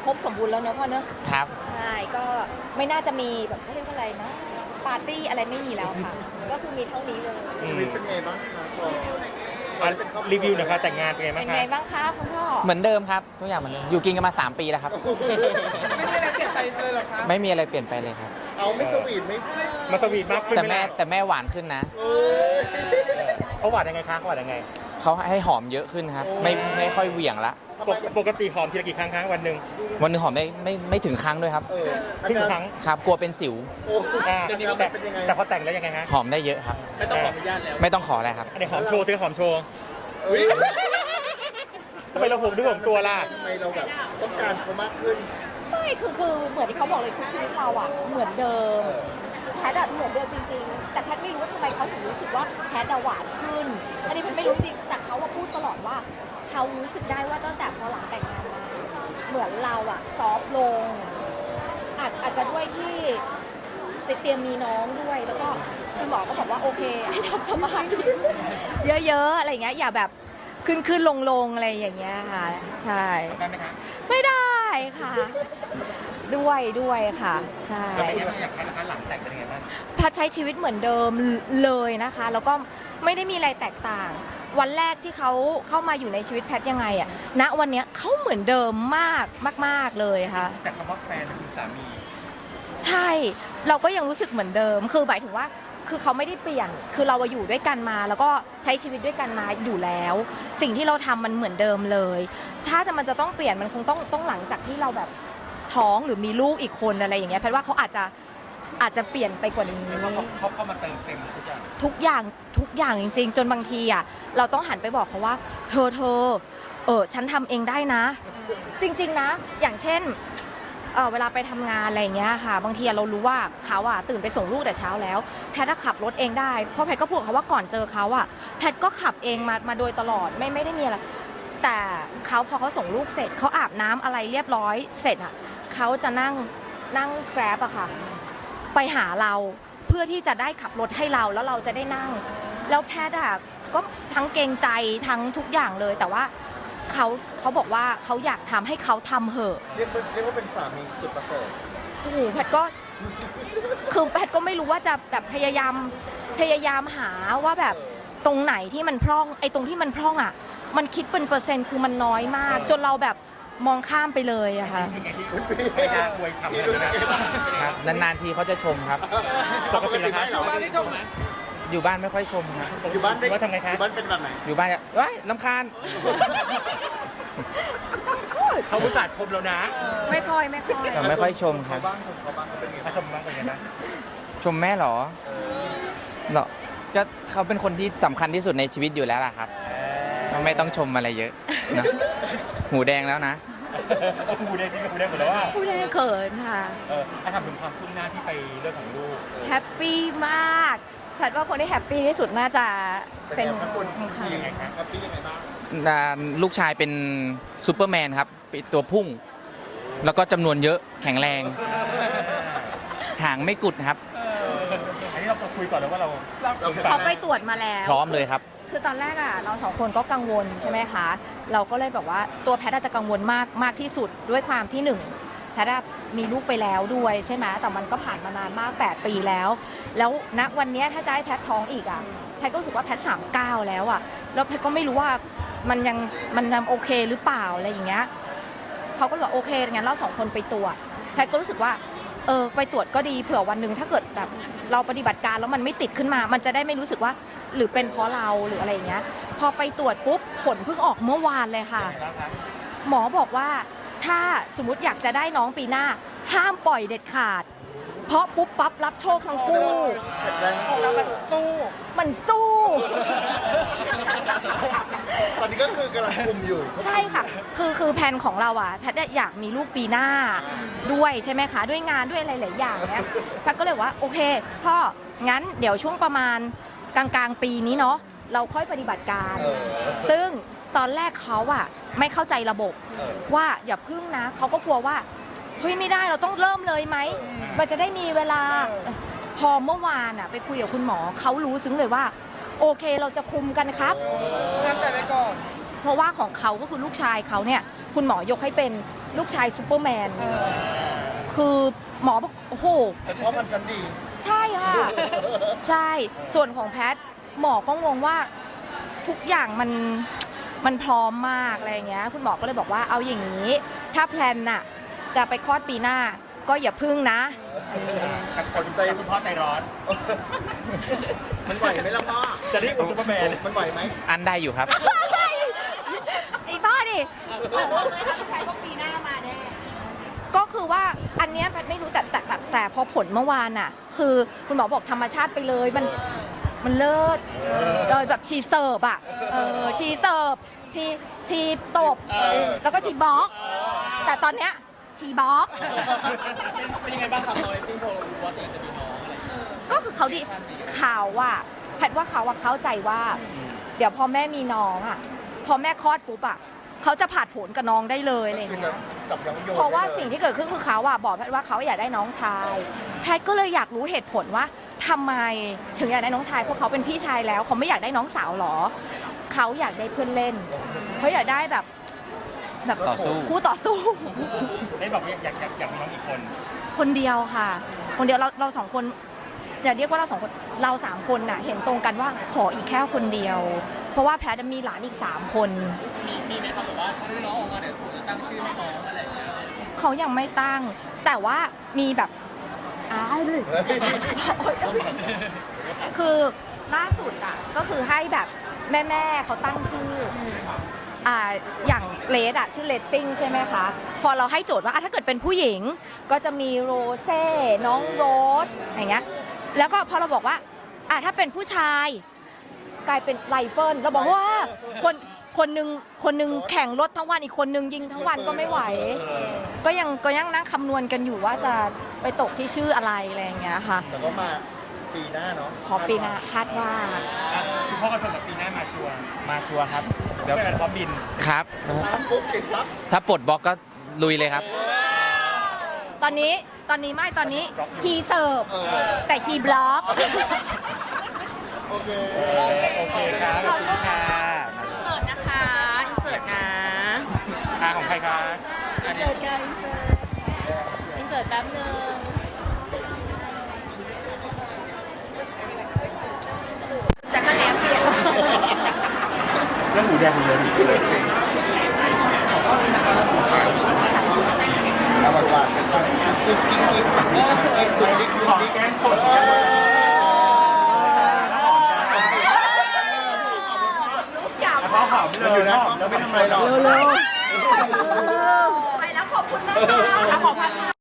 ครบสมบูรณ์แล้วเนอะพ่อเนอะครับใช่ก็ไม่น่าจะมีแบบเขาเรียกว่าอะไรนะปาร์ตี้อะไรไม่มีแล้วค่ะก็คือมีเท่านี้เลยชีวิตเป็นไงบ้างคะพอรีวิวหน่อยครับแต่งงานเป็นไงบ้างเป็นครัไงบบ้างคะคุณพ่อเหมือนเดิมครับทุกอย่างเหมือนเดิมอยู่กินกันมา3 ปีแล้วครับไม่มีอะไรเปลี่ยนไปเลยหรอคะไม่มีอะไรเปลี่ยนไปเลยครับเอาไม่สวีทไม่มาสวีทมากขึ้นแต่ไหมแม่ล่ะแต่แม่หวานขึ้นนะเขาหวานยังไงคะเขาหวานยังไงเขาให้หอมเยอะขึ้นครับไม่ค่อยเหวี่ยงละปกติหอมทีละกี่ครั้งวันหนึ่งวันหนึงหอมไม่ถึงครั้งด้วยครับครึ่งครั้งครับกลัวเป็นสิวเดี๋ยวนี้มันเป็นยังไงแต่พอแต่งแล้วยังไงฮะหอมได้เยอะครับไม่ต้องขออนุญาตแล้วไม่ต้องขออะไรครับอันนี้หอมโชว์ซื้อหอมโชว์ทำไมเราห่วงด้วยห่วงตัวล่ะทำไมเราแบบต้องการเขามากขึ้นไม่คือเหมือนที่เขาบอกเลยทุกชีวิตเราอ่ะเหมือนเดิมแพทอะเหมือนเดิมจริงๆแต่แพทไม่รู้ว่าทำไมเขาถึงรู้สึกว่าแพทอะหวานขึ้นอันนี้แพทไม่รู้จริงแต่เขาพูดตลอดว่าเขารู้สึกได้ว่าตั้งแต่พอหลังแต่งงานมาเหมือนเราอะซอฟต์ลงอาจจะด้วยที่เตรียมมีน้องด้วยแล้วก็คุณหมอก็บอกว่าโอเคให้ทำสมาธิเยอะๆอะไรอย่างเงี้ยอย่าแบบขึ้นลงอะไรอย่างเงี้ยค่ะใช่ได้ไหมคะไม่ได้ค่ะ ด้วยค่ะใช่แล้วเป็นยังไงอยากแค่นะคะหลังแต่งเป็นยังไงบ้างพัดใช้ชีวิตเหมือนเดิมเลยนะคะ แล้วก็ไม่ได้มีอะไรแตกต่าง วันแรกที่เขาเข้ามาอยู่ในชีวิตแพทยังไงอะณวันเนี้ยเขาเหมือนเดิมมากเลยค่ะแต่คำว่าแฟนคือสามีใช่เราก็ยังรู้สึกเหมือนเดิมคือหมายถึงว่าคือเขาไม่ได้เปลี่ยนคือเราอยู่ด้วยกันมาแล้วก็ใช้ชีวิตด้วยกันมาอยู่แล้ว สิ่งที่เราทำมันเหมือนเดิมเลย ถ้ามันจะต้องเปลี่ยนมันคงต้องหลังจากที่เราแบบท้องหรือมีลูกอีกคนอะไรอย่างเงี้ยแพทย์ว่าเขาอาจจะเปลี่ยนไปกว่านี้เขาเข้ามาเติมเต็มทุกอย่างทุกอย่างจริงๆจนบางทีอ่ะเราต้องหันไปบอกเขาว่าเธอฉันทำเองได้นะ จริงๆนะอย่างเช่นเวลาไปทำงานอะไรอย่างเงี้ยค่ะบางทีเรารู้ว่าเขาอ่ะตื่นไปส่งลูกแต่เช้าแล้วแพทย์ขับรถเองได้เพราะแพทย์ก็พูดกับเขาว่าก่อนเจอเขาอ่ะแพทย์ก็ขับเองมาโดยตลอดไม่ได้มีอะไรแต่เขาพอเขาส่งลูกเสร็จเขาอาบน้ำอะไรเรียบร้อยเสร็จอ่ะเขาจะนั่งแกร็บอะค่ะไปหาเราเพื่อที่จะได้ขับรถให้เราแล้วเราจะได้นั่งแล้วแพทย์อะก็ทั้งเกรงใจทั้งทุกอย่างเลยแต่ว่าเขาบอกว่าเขาอยากทำให้เขาทำเหอะเรียกว่าเป็นสามีสุดประเสริฐโอ้โหแพทย์ก็คือแพทย์ก็ไม่รู้ว่าจะแบบพยายามหาว่าแบบตรงไหนที่มันพร่องไอ้ตรงที่มันพร่องอะมันคิดเป็นเปอร์เซ็นต์คือมันน้อยมากจนเราแบบมองข้ามไปเลยอะค่ะไม่ได้อวยฉ่ำเลยครับนานๆทีเขาจะชมครับปกติไหมเหรอบ้านไม่ชมไหมอยู่บ้านไม่ค่อยชมครับอยู่บ้านได้ทำไงคะอยู่บ้านเป็นแบบไหนอยู่บ้านจะเฮ้ยรำคาญเขาอุตส่าห์ชมแล้วนะไม่ค่อยไม่ค่อยชมครับเขาบ้างเขาเป็นไงชมบ้างเป็นไงบ้างชมแม่เหรอก็เขาเป็นคนที่สำคัญที่สุดในชีวิตอยู่แล้วล่ะครับไม่ต้องชมอะไรเยอะนะหูแดงแล้วนะหูแดงจริงหูแดงหมดแล้วว่าหูแดงเขินค่ะถ้าทำถึงความคืบหน้าที่ไปเรื่องของลูกแฮปปี้มากฉันว่าคนที่แฮปปี้ที่สุดน่าจะเป็นคนค่ะยังไงครับแฮปปี้ยังไงบ้างลูกชายเป็นซูเปอร์แมนครับตัวพุ่งแล้วก็จำนวนเยอะแข็งแรงหางไม่กุดครับอันนี้เราคุยก่อนแล้วว่าเราเขาไปตรวจมาแล้วพร้อมเลยครับคือตอนแรกอ่ะเรา2 คนก็กังวลใช่ไหมคะเราก็เลยแบบว่าตัวแพทย์อาจจะกังวลมากที่สุดด้วยความที่1แพทย์มีลูกไปแล้วด้วยใช่ไหมแต่มันก็ผ่านมานานมาก8 ปีแล้วณวันนี้ถ้าจะให้แพทย์ท้องอีกอ่ะแพทย์ก็รู้สึกว่าแพทย์39แล้วอ่ะแล้วแพทย์ก็ไม่รู้ว่ามันยังโอเคหรือเปล่าอะไรอย่างเงี้ยเขาก็บอกโอเคงั้นเรา2 คนไปตรวจแพทย์ก็รู้สึกว่าไปตรวจก็ดีเผื่อวันหนึ่งถ้าเกิดแบบเราปฏิบัติการแล้วมันไม่ติดขึ้นมามันจะได้ไม่รู้สึกว่าหรือเป็นเพราะเราหรืออะไรอย่างเงี้ยพอไปตรวจปุ๊บผลเพิ่งออกเมื่อวานเลยค่ะหมอบอกว่าถ้าสมมุติอยากจะได้น้องปีหน้าห้ามปล่อยเด็ดขาดเพราะปุ๊บปั๊บรับโชคทั้งคู่ของเรามันสู้ตอนนี้ก็คือกำลังคุมอยู่ใช่ค่ะคือแผนของเราอ่ะแพทย์อยากมีลูกปีหน้าด้วยใช่ไหมคะด้วยงานด้วยอะไรหลายอย่างเนี้ยแพทย์ก็เลยว่าโอเคพ่องั้นเดี๋ยวช่วงประมาณกลางปีนี้เนาะเราค่อยปฏิบัติการซึ่งตอนแรกเขาอ่ะไม่เข้าใจระบบว่าอย่าพึ่งนะเขาก็กลัวว่าเฮ้ยไม่ได้เราต้องเริ่มเลยไหมมันจะได้มีเวลาพอเมื่อวานอ่ะไปคุยกับคุณหมอเขารู้ซึ้งเลยว่าโอเคเราจะคุมกันครับห้ามใจไว้ก่อนเพราะว่าของเขาก็คือลูกชายเขาเนี่ยคุณหมอยกให้เป็นลูกชายซูเปอร์แมนคือหมอบอกโอ้โหเป็นพ่อพันธุ์ชั้นดีใช่ค่ะ ใช่ส่วนของแพทย์หมอก็งงว่าทุกอย่างมันพร้อมมากอะไรอย่างเงี้ยคุณหมอก็เลยบอกว่าเอาอย่างนี้ ถ้าแพลนน่ะจะไปคลอดปีหน้าก็อย่าพึ่งนะตัดสินใจแต่คุณพ่อใจร้อนมันไหวไหมล่ะพ่อจะเรียกว่าซุปเปอร์แมนมันไหวไหมอันได้อยู่ครับไอ้บ้าดิก็คือว่าอันเนี้ยแพทย์ไม่รู้แต่พอผลเมื่อวานอ่ะ คือคุณหมอบอกธรรมชาติไปเลยมันเลิศแบบชีเสิร์ฟอ่ะชีเสิร์ฟชีตบแล้วก็ชีบล็อก แต่ตอนเนี้ยชีบล็อกเป็นยังไงบ้างครับน้อยซึ่งพอรู้ว่าตัวเองจะมีน้องอะไรอย่างเงี้ยก็คือเขาดิเขาอะแพทย์ว่าเขาอะเข้าใจว่า เดี๋ยวพอแม่มีน้องอะพอแม่คลอดปุ๊บอะเขาจะผ่าดผลกับน้องได้เลยอะไรอย่างคือเงี้จะยจับน้องโยนเพราะว่าได้ลยสิ่งที่เกิดขึ้นคือเขาอะบอกแพทย์ว่าเขาอยากได้น้องชาย แพทย์ก็เลยอยากรู้เหตุผลว่าทำไมถึงอยากได้น้องชายเพราะเขาเป็นพี่ชายแล้วเขาไม่อยากได้น้องสาวหรอเขาอยากได้เพื่อนเล่นเขาอยากได้แบบต่อสู้คู่ต่อสู้ได้บอกว่าอยากมีน้องอีกคนคนเดียวค่ะ คนเดียวเราสองคนอย่าเรียกว่าเราสองคนเราสามคนน่ะเห็นตรงกันว่าขออีกแค่คนเดียว เพราะว่าแพทย์มีหลานอีก3 คนมีไหมครับแบบว่าถ้าน้องออกมาเดี๋ยวผมจะตั้งชื่อให้น้องอะไรอย่างเงี้ยเขายังไม่ตั้ง แต่ว่ามีแบบอ้ายเลย คือล่าสุดอ่ะก็คือให้แบบแม่เขาตั้งชื่ออย่างเลดอะชื่อเลดซิ่งใช่ไหมคะพอเราให้โจทย์ว่าถ้าเกิดเป็นผู้หญิงก็จะมีโรเซ่น้องโรสอย่างเงี้ยแล้วก็พอเราบอกว่าถ้าเป็นผู้ชายกลายเป็นไรเฟิลเราบอกว่าคนหนึ่งแข่งรถทั้งวันอีกคนหนึ่งยิงทั้งวันก็ไม่ไหว ก็ยังนั่งคำนวณกันอยู่ว่าจะไปตกที่ชื่ออะไรอะไรอย่างเงี้ยค่ะแต่ก็มาปีหน้าเนาะพอปีหน้าคาดว่าคุณพ่อก็เป็นแบบปีหน้ามาชัวร์มาชัวร์ครับเดี๋ยวเป็นพร้อมบินครับปุ๊บติดปั๊บถ้าปลดบล็อกก็ลุยเลยครับตอนนี้ฮีเสิร์ฟแต่ชีบล็อกโอเคโอเคครับขอบคุณค่ะเสิร์ตนะคะอินเสิร์ตนะของใครคะอินเสิร์ตกันอินเสิร์ตแป๊บนึงแต่ก็แอบเปลี่ยนเรื่องหมูแดงหมดเลยเอาหวานๆกันไปกิ๊กกิ๊กกิ๊กกิ๊กกิ๊กกิ๊กกิ๊กขอแกงสด พ่อหอมเลยอยู่นะหอมแล้วไม่ไม่ทำทำไมไมหหรรออก กไปแล้วขอบคุณนะคะขอบคุณ